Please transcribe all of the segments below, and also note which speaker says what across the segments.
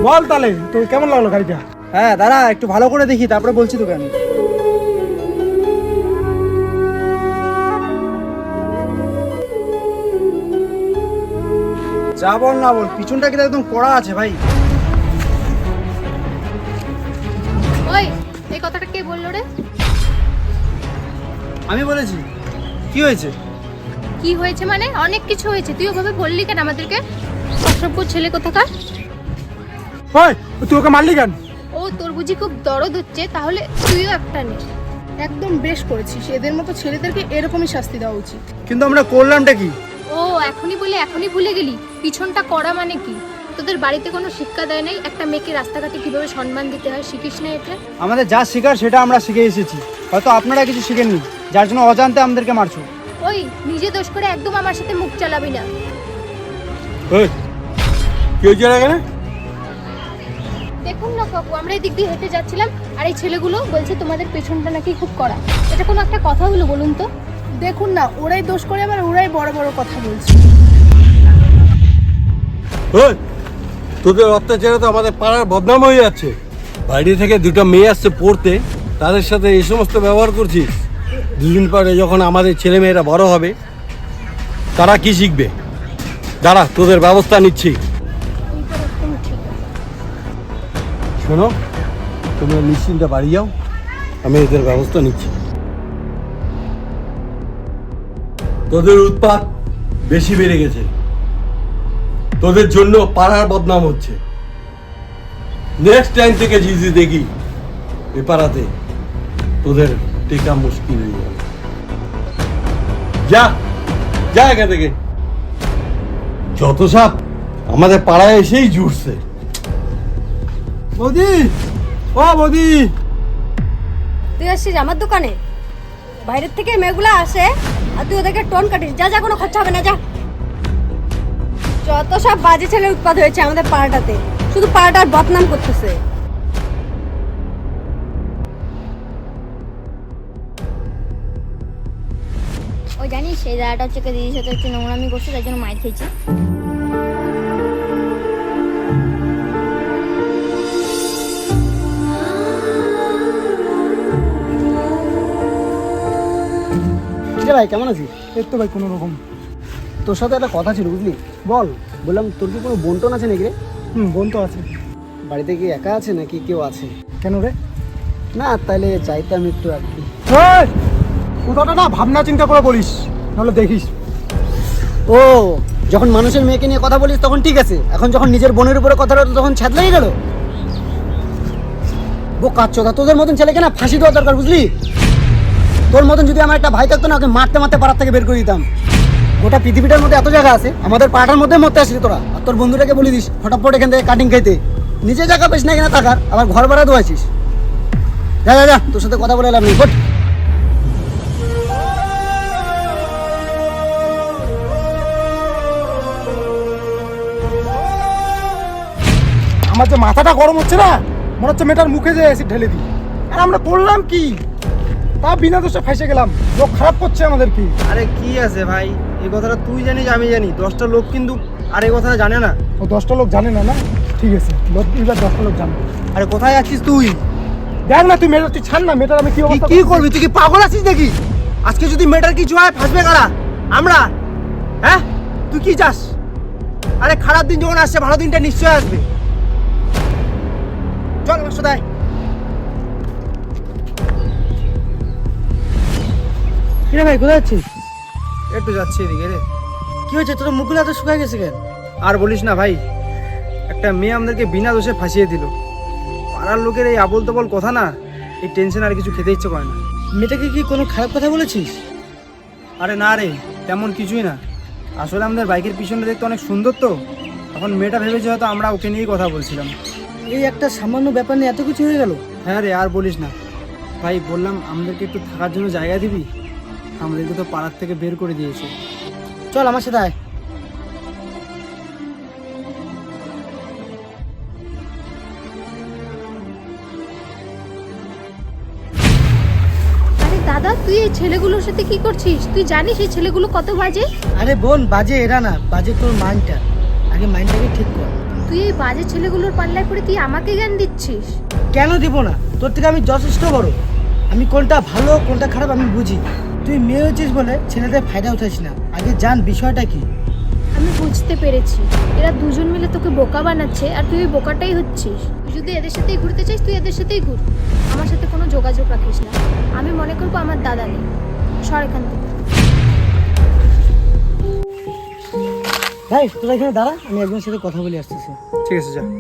Speaker 1: বল তাহলে তো কেমন লাগলো গাড়িটা?
Speaker 2: হ্যাঁ দাঁড়া একটু ভালো করে দেখি, তারপরে বলছি তোকে আমি। যা বল না বল, পিছনটা কিন্তু একদম কড়া আছে ভাই।
Speaker 3: ওই এই কথাটা কে বললো রে?
Speaker 2: আমি বলেছি। কি হয়েছে?
Speaker 3: কি হয়েছে মানে? অনেক কিছু হয়েছে, তুই ওভাবে বললি কেন আমাদেরকে? অসভ্য ছেলে কোথাকার।
Speaker 1: ওই তুই ওকে মারলি কেন?
Speaker 3: ও তোর বুঝি খুব দরদ হচ্ছে, তাহলে তুইও একটা নে।
Speaker 4: একদম বেশ করেছিস, এদের মতো ছেলেদেরকে এরকমই শাস্তি দেওয়া উচিত।
Speaker 2: কিন্তু আমরা করলামটা কি?
Speaker 3: ও এখনই বলে এখনই ভুলে গেলি? পিছনটা করা মানে কি? তোদের বাড়িতে কোনো শিক্ষা দেয় নাই একটা মেয়েকে রাস্তাঘাটে কিভাবে সম্মান দিতে হয়? শিখিস না এটা?
Speaker 2: আমাদের যা শেখার সেটা আমরা শিখে এসেছি, হয়তো আপনারা কিছু শিখেননি, যার জন্য অজান্তে আমাদেরকে মারছো।
Speaker 3: ওই নিজে দোষ করে একদম আমার সাথে মুখ চালাবি না।
Speaker 1: কি হয়েছে এখানে?
Speaker 3: দেখুন না কাকু, আমরা এই দিক দিয়ে হেঁটে যাচ্ছিলাম আর এই ছেলেগুলো বলছে তোমাদের পেছনটা নাকি খুব কড়া। এটা কোনো একটা কথা হলো বলুন তো?
Speaker 4: দেখুন না, ওরাই দোষ করে আবার ওরাই বড় বড় কথা বলছে।
Speaker 5: তোদের অত্যাচারে তো আমাদের পাড়ার বদনাম হয়ে যাচ্ছে। বাইরে থেকে দুটো মেয়ে আসছে পড়তে, তাদের সাথে এই সমস্ত ব্যবহার করছিস। দুদিন পরে যখন আমাদের ছেলে মেয়েরা বড় হবে, তারা কি শিখবে? দাঁড়া, তোদের ব্যবস্থা নিচ্ছি। শোনো, তোমরা নিশ্চিন্তে বাড়ি যাও, আমি এদের ব্যবস্থা নিচ্ছি। তোদের উৎপাত বেশি বেড়ে গেছে, তোদের জন্য পাড়ার বদনাম হচ্ছে। নেক্সট টাইম থেকে জিজি দেখি এ পাড়াতে, তোদের টেকা মুশকিল হয়ে যাবে। যা যা এখান থেকে। যত সাপ আমাদের পাড়ায় এসেই জুড়ছে।
Speaker 1: বৌদি, ও বৌদি,
Speaker 6: তুই আসছিস আমার দোকানে? বাইরের থেকে মেয়েগুলো আসে আর তুই ওদেরকে টোন কাটিস। যা যা, কোনো খরচা হবে না, যা। যত সব বাজে ছেলে উৎপাদ হয়েছে আমাদের পাড়াটাতে, শুধু পাড়াটার বদনাম করতেছে।
Speaker 7: ও জানিস এই দাদাটা হচ্ছে দিদির সাথে হচ্ছে নোংরামি করছে, তার জন্য মাইর খেয়েছে।
Speaker 2: ভাই কেমন আছিস?
Speaker 1: এই তো ভাই কোনো রকম।
Speaker 2: তোর সাথে একটা কথা ছিল বুঝলি। বল। বললাম তোর কি কোনো বন্টন আছে নাকি রে?
Speaker 1: বোন তো আছে।
Speaker 2: বাড়িতে কি একা আছে নাকি কেউ আছে?
Speaker 1: কেন রে?
Speaker 2: না তাইলে চাইতাম একটু আর কি।
Speaker 1: কথাটা না ভাবনা চিন্তা করে বলিস, নাহলে দেখিস।
Speaker 2: ও, যখন মানুষের মেয়েকে নিয়ে কথা বলিস তখন ঠিক আছে, এখন যখন নিজের বোনের উপরে কথা বলো তখন ছাদ লেগে গেল। বোকা চোদা, তোদের মতন ছেলেকে না ফাঁসি দেওয়া দরকার বুঝলি। তোর মতন যদি আমার একটা ভাই থাকতো না, ওকে মারতে মারতে পাড়ার থেকে বের করে দিতাম। গোটা পৃথিবীটার মধ্যে এত জায়গা আছে, আমাদের পাড়ার মধ্যে মরতে আসলি তোরা। আর তোর বন্ধুটাকে বলে দিস ফটাফট এখান থেকে কাটিং খাইতে। নিজে জায়গা পেস না এখানে থাকার, আবার ঘর ভাড়া দোয়াইছিস। যা যা যা, তোর সাথে কথা বলে এলাম নেই।
Speaker 1: আমার যে মাথাটা গরম হচ্ছে না, মনে হচ্ছে মেয়েটার মুখে যে অ্যাসিড ঢেলে দিই। আর আমরা করলাম কি? তা বিনা দোষে ফাঁসে গেলাম, লোক খারাপ করছে আমাদের কি।
Speaker 2: আরে কি আছে ভাই, এই কথাটা তুই জানিস আমি জানি, 10টা লোক কিন্তু আর এই কথাটা জানে না।
Speaker 1: ও 10টা লোক জানে না? না ঠিক আছে, এবার 10টা লোক জানবে।
Speaker 2: আরে কোথায় আছিস তুই?
Speaker 1: দেখ না তুই মেয়েটা, তুই ছাড় না মেয়েটার। আমি কি অবস্থা
Speaker 2: কি করবি তুই? কি পাগল আছিস নাকি? আজকে যদি মেয়েটার কিছু হয় ফাঁসবে কারা? আমরা? হ্যাঁ, তুই কি চাস? আরে খারাপ দিন যখন আসছে, ভালো দিনটা নিশ্চয় আসবে। চল আমার সাথে আয়।
Speaker 4: কিরে ভাই, কোথায় যাচ্ছিস?
Speaker 2: একটু যাচ্ছি এদিকে রে।
Speaker 4: কি হয়েছে, তোর মুখগুলো এত শুকায় গেছে কেন?
Speaker 2: আর বলিস না ভাই, একটা মেয়ে আমাদেরকে বিনা দোষে ফাঁসিয়ে দিল। পাড়ার লোকের এই আবল তাবল কথা না, এই টেনশন আর কিছু খেতে ইচ্ছে করে না।
Speaker 4: মেয়েটাকে কি কোনো খারাপ কথা বলেছিস?
Speaker 2: আরে না রে, তেমন কিছুই না। আসলে আমাদের বাইকের পিছনটা দেখতে অনেক সুন্দর তো, এখন মেয়েটা ভেবেছে হয়তো আমরা ওকে নিয়েই কথা বলছিলাম।
Speaker 4: এই একটা সামান্য ব্যাপার নিয়ে এত কিছু হয়ে গেল?
Speaker 2: হ্যাঁ রে, আর বলিস না ভাই। বললাম আমাদেরকে একটু থাকার জন্য জায়গা দিবি, আমাদেরকে তো পাড়ার থেকে বের করে দিয়েছে।
Speaker 4: চল আমার সাথে আয়।
Speaker 3: আরে দাদা, তুই এই ছেলেগুলোর সাথে কি করছিস? তুই জানিস এই ছেলেগুলো কত বাজে?
Speaker 4: আরে বোন, বাজে এরা না, বাজে তোর মাইন্ডটা। আগে মাইন্ডটাকে ঠিক কর।
Speaker 3: তুই এই বাজে ছেলেগুলোর পাল্লায় পড়ে তুই আমাকে জ্ঞান দিচ্ছিস?
Speaker 2: কেন দিব না? তোর থেকে আমি যথেষ্ট বড়। আমি কোনটা ভালো কোনটা খারাপ আমি বুঝি। তুই মেয়ে হচ্ছিস বলে ছেলেদের ফায়দা উঠাইস না, আগে জান বিষয়টা কি।
Speaker 3: আমি বুঝতে পেরেছি, এরা দুজন মিলে তোকে বোকা বানাচ্ছে আর তুই ওই বোকাটাই হচ্ছিস। তুই যদি এদের সাথেই ঘুরতে চাইস তুই এদের সাথেই ঘুর, আমার সাথে কোনো যোগাযোগ রাখিস না। আমি মনে করবো আমার দাদা নেই। সর এখান থেকে।
Speaker 2: ভাই তোরা এখানে দাঁড়া, আমি একজনের সাথে কথা বলে আসতেছি।
Speaker 1: ঠিক আছে, যা।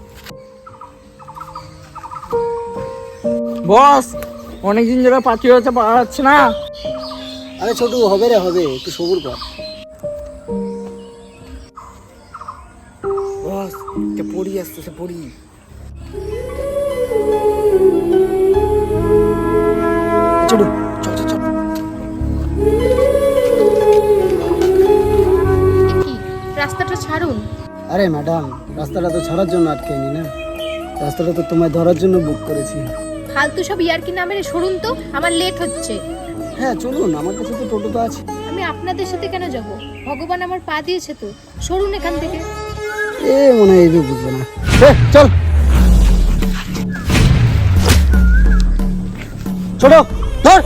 Speaker 8: বস, অনেকদিন ধরে পাখি হতে পারা যাচ্ছে না।
Speaker 2: আরে ছোটু, হবে রে হবে, একটু সবুর কর। বস, এটা পড়ি আসতেছে, পড়ি। ছোটু চল চল চল।
Speaker 3: কি রাস্তাটা ছাড়ুন।
Speaker 2: আরে ম্যাডাম, রাস্তাটা তো ছাড়ার জন্য আটকেনি না, রাস্তাটা তো তোমায় ধরার জন্য বুক করেছি।
Speaker 3: ফালতু সব ইয়ার্কি না মেরে সরুন তো, আমার লেট হচ্ছে।
Speaker 2: হ্যাঁ চলুন, আমার কাছে তো টোটো তো আছে।
Speaker 3: আমি আপনাদের সাথে কেন যাব? ভগবান আমার পা দিয়েছে তো, সরুন এখান থেকে।
Speaker 2: এ মনে হয় এই বুঝবে না। চল ছোট ধর।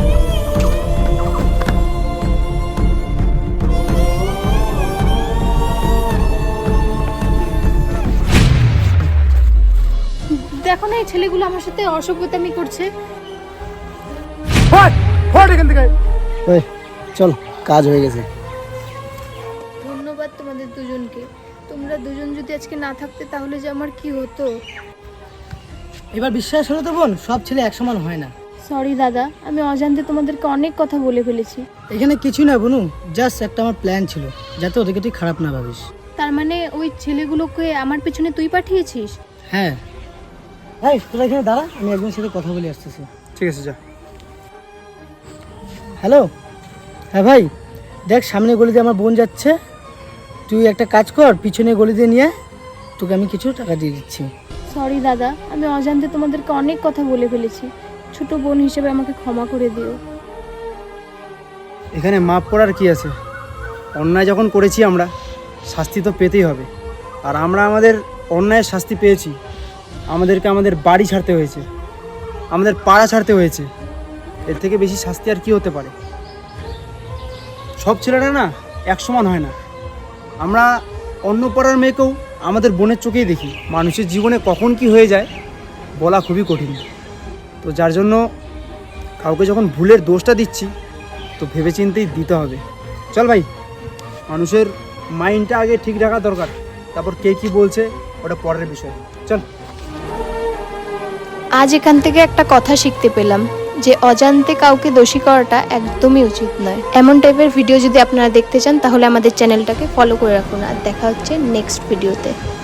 Speaker 3: দেখো না এই ছেলেগুলো আমার সাথে অসভ্যতামি করছে।
Speaker 1: ফট এখান থেকে।
Speaker 2: ওই চল, কাজ হয়ে গেছে।
Speaker 3: ধন্যবাদ তোমাদের দুজনকে। তোমরা দুজন যদি আজকে না থাকতে তাহলে যে আমার কি হতো।
Speaker 2: এবার বিশ্বাস হলো তো বোন, সব ছেলে এক সমান হয় না।
Speaker 3: সরি দাদা, আমি অজান্তে তোমাদেরকে অনেক কথা বলে ফেলেছি।
Speaker 2: এখানে কিছুই না বনু, জাস্ট একটা আমার প্ল্যান ছিল, যাতে ওদেরকে তুই খারাপ না ভাবিস।
Speaker 3: তার মানে ওই ছেলেগুলোকে আমার পেছনে তুই পাঠিয়েছিস?
Speaker 2: হ্যাঁ। ভাই তোরা এখানে দাঁড়া, আমি একজনের সাথে কথা বলে আসতেছি।
Speaker 1: ঠিক আছে, যা।
Speaker 2: হ্যালো। হ্যাঁ ভাই, দেখ সামনে গলি দিয়ে আমার বোন যাচ্ছে, তুই একটা কাজ কর, পিছনে গলি দিয়ে নিয়ে তোকে আমি কিছু টাকা দিয়ে দিচ্ছি।
Speaker 3: সরি দাদা, আমি অজান্তে তোমাদেরকে অনেক কথা বলে ফেলেছি। ছোট বোন হিসেবে আমাকে ক্ষমা করে দিও।
Speaker 1: এখানে মাপ করার কি আছে? অন্যায় যখন করেছি আমরা, শাস্তি তো পেতেই হবে। আর আমরা আমাদের অন্যায়ের শাস্তি পেয়েছি। আমাদেরকে আমাদের বাড়ি ছাড়তে হয়েছে, আমাদের পাড়া ছাড়তে হয়েছে। এর থেকে বেশি শাস্তি আর কি হতে পারে? সব ছেলেরা না এক সমান হয় না। আমরা অন্য পাড়ার মেয়েকেও আমাদের বোনের চোখেই দেখি। মানুষের জীবনে কখন কি হয়ে যায় বলা খুবই কঠিন। তো যার জন্য কাউকে যখন ভুলের দোষটা দিচ্ছি তো ভেবেচিন্তেই দিতে হবে। চল ভাই, মানুষের মাইন্ডটা আগে ঠিক রাখা দরকার, তারপর কে কী বলছে ওটা পরের বিষয়। চল।
Speaker 3: আজ এখান থেকে একটা কথা শিখতে পেলাম যে অজান্তে কাউকে দোষী করাটা একদমই উচিত নয়। এমন টাইপের ভিডিও যদি আপনারা দেখতে চান তাহলে আমাদের চ্যানেলটাকে ফলো করে রাখুন। আর দেখা হচ্ছে নেক্সট ভিডিওতে।